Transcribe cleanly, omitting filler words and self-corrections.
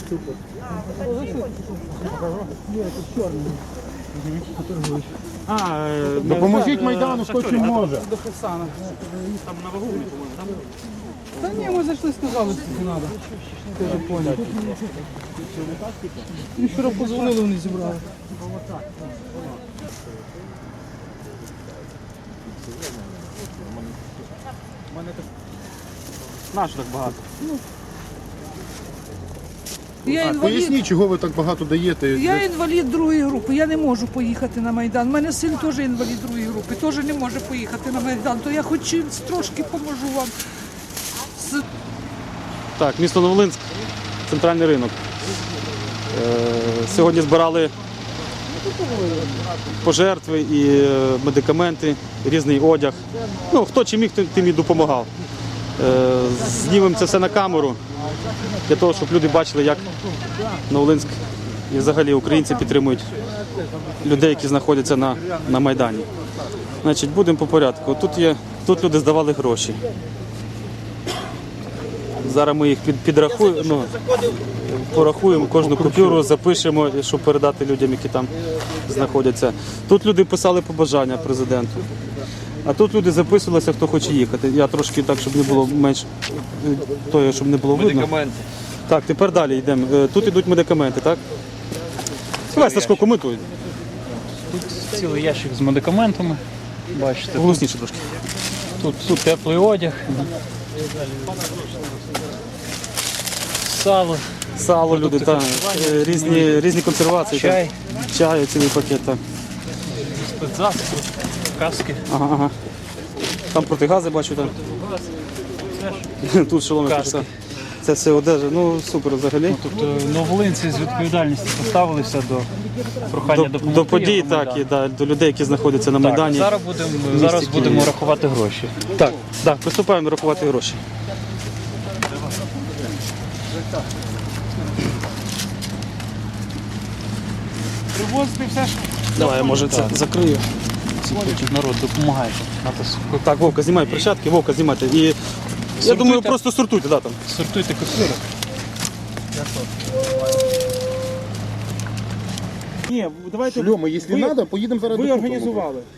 Допоможіть Майдану, хто чим може. До Херсона. Там на вагу, по-моєму, там? Та ні, ми зайшли, сказали, що не треба. Ти вже поняв. Мені вчора подзвонили, вони зібрали. Нащо так багато? Я інвалід. Поясніть, чого ви так багато даєте. Я інвалід другої групи, я не можу поїхати на Майдан. У мене син теж інвалід другої групи, теж не може поїхати на Майдан. То я хоч чимось трошки поможу вам. Так, місто Новолинськ, центральний ринок. Сьогодні збирали пожертви і медикаменти, різний одяг. Ну, хто чим міг, тим і допомагав. Знімемо це все на камеру, для того, щоб люди бачили, як Новолинськ і взагалі українці підтримують людей, які знаходяться на Майдані. Значить, будемо по порядку. Тут люди здавали гроші. Зараз ми їх підрахуємо, порахуємо, кожну купюру запишемо, щоб передати людям, які там знаходяться. Тут люди писали побажання президенту, а тут люди записувалися, хто хоче їхати. Я трошки так, щоб не було менш того, щоб не було видно. Медикаменти. Так, тепер далі йдемо. Тут йдуть медикаменти, так? Давай, Сашко, коментуй. Тут цілий ящик з медикаментами. Бачите, Голосніше трошки. тут теплий одяг. Сало люди, так. Різні консервації. Чай. Так. Чаю, цілий пакет, так. Спецзасоби, каски. Ага. Там протигази бачу, так. Тут шоломи. Каски. Це все одежа, ну супер взагалі. Тут новолинці з відповідальністю поставилися до прохання допомогти. До подій, Євромайдану. так, і до людей, які знаходяться на Майдані. Так, зараз будемо рахувати гроші. Так, приступаємо рахувати гроші. Привозити все ж. Давай, я може це закрию. Народ допомагає. Так, Вовка, знімай перчатки, Вовка, знімайте. І я думаю, просто сортуйте, да, там. Сортуйте купюри. Ні, давайте Шльоми, якщо треба, поїдемо зараз ви докупимо. організували.